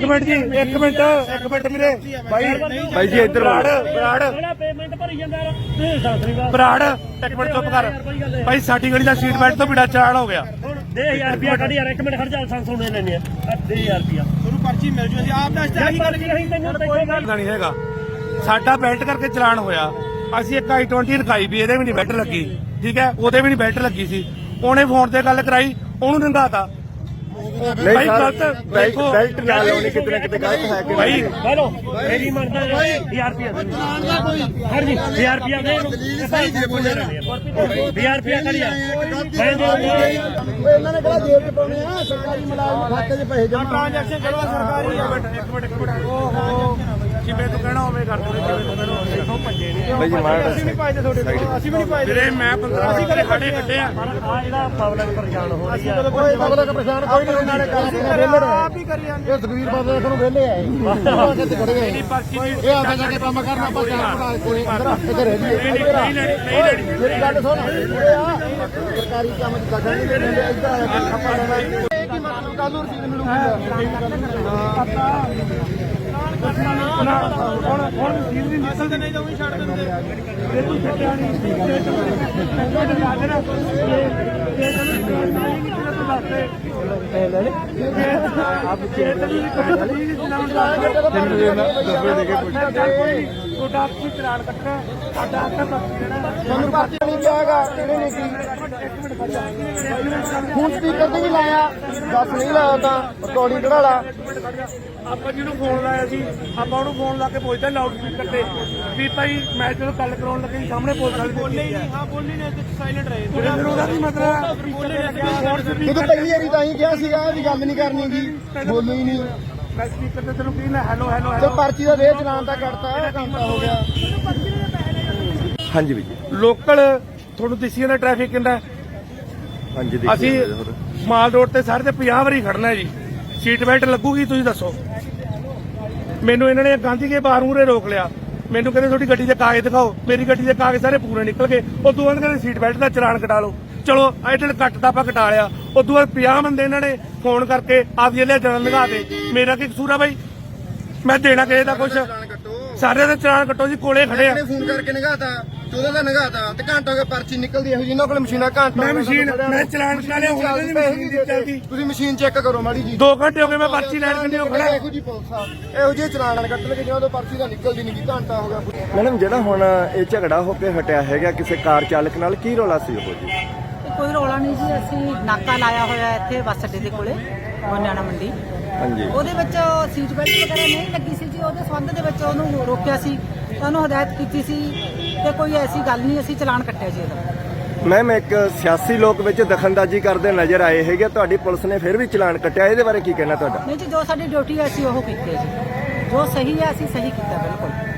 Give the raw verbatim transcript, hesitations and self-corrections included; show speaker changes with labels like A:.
A: minute ਜੀ ਇੱਕ minute ਇੱਕ ਮਿੰਟ ਵੀਰੇ ਬਾਈ ਬਾਈ ਜੀ ਇੱਧਰ ਬਰਾੜ ਬਰਾੜ
B: ਪੇਮੈਂਟ ਭਰੀ ਜਾਂਦਾ
A: ਬਰਾੜ ਇੱਕ ਮਿੰਟ ਚੁੱਪ ਕਰ ਬਾਈ ਸਾਡੀ ਗਲੀ ਦਾ ਸੀਟ ਬੈਲਟ ਤੋਂ ਬਿਨਾਂ ਚਾਲਾਨ ਹੋ ਗਿਆ
B: ਦੇ ਹਜ਼ਾਰ ਰੁਪਿਆ ਕੱਢ ਯਾਰ ਇੱਕ ਮਿੰਟ ਖੜ ਜਾ ਸੰਸ ਹੋਣੇ ਲੈਣੇ ਆ ਦੇ ਹਜ਼ਾਰ ਰੁਪਿਆ ਤੁਹਾਨੂੰ ਪਰਚੀ ਮਿਲ ਜੂ ਅਸੀਂ ਆਪ ਦੱਸਦੇ ਆਹੀ ਗੱਲ ਨਹੀਂ ਤੈਨੂੰ ਕੋਈ ਗੱਲ
A: ਨਹੀਂ ਹੈਗਾ ਸਾਡਾ ਬੈਲਟ ਕਰਕੇ ਚਲਾਨ ਹੋਇਆ ਅਸੀਂ ਇੱਕ ਆਈ ਟਵੰਟੀ ਰਖਾਈ ਵੀ ਇਹਦੇ ਵੀ ਨਹੀਂ ਬੈਲਟ ਲੱਗੀ ਠੀਕ ਹੈ ਉਹਦੇ ਵੀ ਨਹੀਂ ਬੈਲਟ ਲੱਗੀ ਸੀ ਉਹਨੇ ਫੋਨ ਤੇ ਗੱਲ ਕਰਾਈ ਉਹਨੂੰ ਨੰਗਾਤਾ ਭਾਈ ਗਲਤ
C: ਬੈਲਟ ਨਾ ਲਾਉਣੀ ਕਿਤੇ ਨਾ ਕਿਤੇ ਗਲਤ ਹੈ ਕਿ
A: ਭਾਈ
B: ਹੈਲੋ ਮੇਰੀ ਮੰਨਦਾ ਹਜ਼ਾਰ ਰੁਪਿਆ ਹਰ ਜੀ ਹਜ਼ਾਰ ਰੁਪਿਆ ਦੇ ਹਜ਼ਾਰ ਰੁਪਿਆ ਕਰੀਆ ਮੈਂ ਦੇ
C: ਇਹਨਾਂ ਨੇ ਕਿਹੜਾ ਜੇਬ 'ਚ ਪਾਉਣੇ ਆ ਸਰਕਾਰੀ ਮੁਲਾਜ਼ਮ ਖਾਤੇ 'ਚ ਪੈਸੇ ਜਮ੍ਹਾਂ
A: ਟ੍ਰਾਂਜੈਕਸ਼ਨ ਕਰੋ ਸਰਕਾਰੀ ਇੱਕ ਮਿੰਟ ਇੱਕ ਮਿੰਟ ਇੱਕ ਮਿੰਟ ਓਹੋ ਜਿਵੇਂ ਤੂੰ ਕਹਿਣਾ ਉਵੇਂ ਕਰ ਦੇ ਜਿਵੇਂ ਤੂੰ ਕਹਿਣਾ ਦੇਖੋ ਭੱਜੇ ਨਹੀਂ
C: ਬਾਈ ਜੀ ਮਾਰ
A: ਅਸੀਂ ਵੀ ਨਹੀਂ ਪਾਈਦੇ ਤੁਹਾਡੇ ਕੋਲ ਅਸੀਂ ਵੀ ਨਹੀਂ ਪਾਈਦੇ ਵੀਰੇ ਮੈਂ ਪੰਦਰਾਂ ਅਸੀਂ ਕਦੇ ਖੜੇ ਕੱਢੇ ਆ
B: ਆ ਜਿਹੜਾ ਪਬਲਿਕ ਪਰੇਸ਼ਾਨ ਹੋ ਰਹੀ ਆ
C: ਕੋਈ ਪਬਲਿਕ ਪਰੇਸ਼ਾਨ ਕੋਈ ਨਹੀਂ ਉਹਨਾਂ ਨੇ ਕੰਮ ਆਪ ਹੀ ਕਰੀ ਜਾਂਦੇ ਇਹ ਤਕਰੀਰ ਬਾਬੇ ਨੂੰ ਵਿਹਲੇ ਆਏ ਕਿੱਥੇ ਖੜੇ ਆਏ
A: ਨਹੀਂ ਪਰਚੀ
C: ਇਹ ਆਖੇ ਜਾ ਕੇ ਕੰਮ ਕਰਨਾ ਆਪਾਂ ਚਾਰ ਪੜਾ ਕੋਈ ਅੰਦਰ ਇੱਥੇ ਰਹਿ
A: ਨਹੀਂ ਨਹੀਂ ਲੈਣੀ ਨਹੀਂ ਲੈਣੀ
C: ਮੇਰੀ ਗੱਲ ਸੁਣ ਉਰੇ ਆ ਸਰਕਾਰੀ ਕੰਮ ਚ ਦਖਲ ਨਹੀਂ ਦਿੰਦੇ ਇੱਧਰ ਆ ਕੇ ਖੱਪਾ ਲੈਣਾ ਇਹ ਕੀ ਮਤਲਬ ਕੱਲ ਨੂੰ ਰਸੀਦ ਮਿਲੂਗੀ
A: ਹੁਣ ਹੁਣ ਸੀਲ ਵੀ ਨਿਕਲਦੇ ਨਹੀਂ ਤਾਂ ਉਹੀ ਛੱਡ ਦਿੰਦੇ ਇਹ ਤੂੰ ਛੱਡਿਆ ਨਹੀਂ ਚਲਾਨ ਕੱਟਣਾ ਸਾਡਾ
C: ਤੁਹਾਨੂੰ ਪਰਚੀ ਨਹੀਂ ਦਿਆਗਾ ਕਿਹਨੇ ਨੇ ਕੀ ਹੁਣ ਸਪੀਕਰ ਤੇ ਵੀ ਲਾਇਆ ਦੱਸ ਨਹੀਂ ਲਾਇਆ ਤਾਂ ਰਿਕਾਰਡਿੰਗ ਕਢਾ ਲਾ
A: ਆਪਾਂ ਜਿਹਨੂੰ ਫੋਨ ਲਾਇਆ ਸੀ ਆਪਾਂ ਉਹਨੂੰ ਫੋਨ ਲਾ ਕੇ ਪੁੱਛਦੇ ਲਾਊਡ ਸਪੀਕਰ ਤੇ ਵੀ ਭਾਈ ਮੈਂ ਜਦੋਂ ਗੱਲ ਕਰਾਉਣ ਲੱਗੇ ਸਾਹਮਣੇ ਪੁਲਿਸ ਵਾਲੇ ਬੋਲੇ ਹੀ ਨਹੀਂ ਹਾਂ ਬੋਲੇ ਨੇ ਸਾਇਲੈਂਟ ਰਹੇ ਫਿਰ ਉਹਦਾ ਕੀ ਮਤਲਬ ਬੋਲੇ ਨੇ
C: ਤੂੰ ਪਹਿਲੀ ਵਾਰੀ ਤਾਂ ਹੀ ਕਿਹਾ ਸੀਗਾ ਵੀ ਗੱਲ ਨਹੀਂ ਕਰਨੀ ਗੀ ਬੋਲੋ ਹੀ ਨਹੀਂ
A: ਮੈਂ ਸਪੀਕਰ ਤੇ ਤੈਨੂੰ ਕੀ ਨਾ ਹੈਲੋ ਹੈਲੋ
C: ਤੇ ਪਰਚੀ ਦਾ ਦੇ ਚਲਾਨ ਤਾਂ ਕੱਟਤਾ ਘੰਟਾ ਹੋ ਗਿਆ ਹਾਂਜੀ ਵੀ ਜੀ
A: ਲੋਕਲ ਤੁਹਾਨੂੰ ਦਿਸੀ ਜਾਂਦਾ ਟ੍ਰੈਫਿਕ ਕਿੰਨਾ
C: ਹਾਂਜੀ
A: ਅਸੀਂ ਮਾਲ ਰੋਡ ਤੇ ਸਾਰੇ ਤੇ ਪੰਜਾਹ ਵਾਰੀ ਖੜਨਾ ਹੈ ਜੀ ਸੀਟ ਬੈਲਟ ਲੱਗੂਗੀ ਤੁਸੀਂ ਦੱਸੋ ਮੈਨੂੰ ਇਹਨਾਂ ਨੇ ਗਾਂਧੀ ਕੇ ਬਾਹਰ ਮੂਹਰੇ ਰੋਕ ਲਿਆ ਮੈਨੂੰ ਕਹਿੰਦੇ ਤੁਹਾਡੀ ਗੱਡੀ ਦੇ ਕਾਗਜ਼ ਦਿਖਾਓ ਮੇਰੀ ਗੱਡੀ ਦੇ ਕਾਗਜ਼ ਸਾਰੇ ਪੂਰੇ ਨਿਕਲ ਗਏ ਉਦੋਂ ਬਾਅਦ ਕਹਿੰਦੇ ਸੀਟ ਬੈਲਟ ਦਾ ਚਲਾਨ ਕਟਾ ਲਓ ਚਲੋ ਆਈਟਲ ਕੱਟ ਤਾਂ ਆਪਾਂ ਕਟਾ ਲਿਆ ਉਦੋਂ ਬਾਅਦ ਪੰਜਾਹ ਬੰਦੇ ਇਹਨਾਂ ਨੇ ਫੋਨ ਕਰਕੇ ਆਪਦੀ ਲੈ ਜਨਨ ਲਗਾ ਦੇ ਮੇਰਾ ਕੀ ਕਸੂਰ ਆ ਬਾਈ ਮੈਂ ਦੇਣਾ ਕਿਸੇ ਦਾ ਕੁਛ ਸਾਰੇ ਦਾ ਚਲਾਨ ਕੱਟੋ ਜੀ ਕੋਲੇ ਖੜੇ ਆ
C: ਫੋਨ ਕਰਕੇ ਨਗਾਤਾ ਚੌਦਾਂ ਦਾ ਨਗਾਤਾ ਤੇ ਘੰਟਾ ਹੋ ਗਿਆ ਪਰਚੀ ਨਿਕਲਦੀ ਇਹੋ ਜਿਹੀ ਇਹਨਾਂ ਕੋਲ ਮਸ਼ੀਨਾਂ ਘੰਟਾ
A: ਮੈਂ ਮਸ਼ੀਨ ਮੈਂ ਚਲਾਨ ਕਟਾ ਲਿਆ ਹੁਣ ਨਹੀਂ ਮਸ਼ੀਨ ਦੀ ਚੱਲਦੀ
C: ਤੁਸੀਂ ਮਸ਼ੀਨ ਚੈੱਕ ਕਰੋ ਮਾੜੀ ਜੀ
A: ਦੋ ਘੰਟੇ ਹੋ ਗਏ ਮੈਂ ਪਰਚੀ ਲੈਣ ਕੰਨੀ ਹੋ ਖੜਾ
C: ਇਹੋ ਜਿਹੀ ਪੁਲਿਸ ਆ ਇਹੋ ਜਿਹੇ ਚਲਾਨ ਕੱਟ ਲਗੇ ਜਦੋਂ ਪਰਚੀ ਦਾ ਨਿਕਲਦੀ ਨਹੀਂ ਘੰਟਾ ਹੋ ਗਿਆ ਮੈਡਮ ਜਿਹੜਾ ਹੁਣ ਇਹ ਝਗੜਾ ਹੋ ਕੇ ਹਟਿਆ ਹੈਗਾ ਕਿਸੇ ਕਾਰ ਚਾਲਕ ਨਾਲ ਕੀ ਰੌਲਾ ਸੀ ਉਹ ਜੀ
D: ਕੋਈ ਰੌਲਾ ਨਹੀਂ ਜੀ ਅਸੀਂ ਨਾਕਾ ਲਾਇਆ ਹੋਇਆ ਇੱਥੇ ਬੱਸ ਅੱਡੇ ਦੇ ਕੋਲੇ ਗੋਨਿਆਣਾ ਮੰਡੀ
C: ਹਾਂਜੀ
D: ਉਹਦੇ ਵਿੱਚ ਸੀਟ ਬੈਲਟ ਵਗੈਰਾ ਨਹੀਂ ਲੱਗੀ ਸੀ ਜੀ ਉਹਦੇ ਸੰਬੰਧ ਦੇ ਵਿੱਚ ਉਹਨੂੰ ਰੋਕਿਆ ਸੀ ਤੁਹਾਨੂੰ ਹਦਾਇਤ ਕੀਤੀ ਸੀ ਤੇ ਕੋਈ ਐਸੀ ਗੱਲ ਨਹੀਂ ਅਸੀਂ ਚਲਾਨ ਕੱਟਿਆ ਜੀ ਇਹਦਾ
C: ਮੈਮ ਇੱਕ ਸਿਆਸੀ ਲੋਕ ਵਿੱਚ ਦਖਲਅੰਦਾਜ਼ੀ ਕਰਦੇ ਨਜ਼ਰ ਆਏ ਹੈਗੇ ਤੁਹਾਡੀ ਪੁਲਿਸ ਨੇ ਫਿਰ ਵੀ ਚਲਾਨ ਕੱਟਿਆ ਇਹਦੇ ਬਾਰੇ ਕੀ ਕਹਿਣਾ ਤੁਹਾਡਾ
D: ਨਹੀਂ ਜੀ ਜੋ ਸਾਡੀ ਡਿਊਟੀ ਹੈ ਅਸੀਂ ਉਹ ਕੀਤੀ ਹੈ ਜੀ ਜੋ ਸਹੀ ਹੈ ਅਸੀਂ ਸਹੀ ਕੀਤਾ ਬਿਲਕੁਲ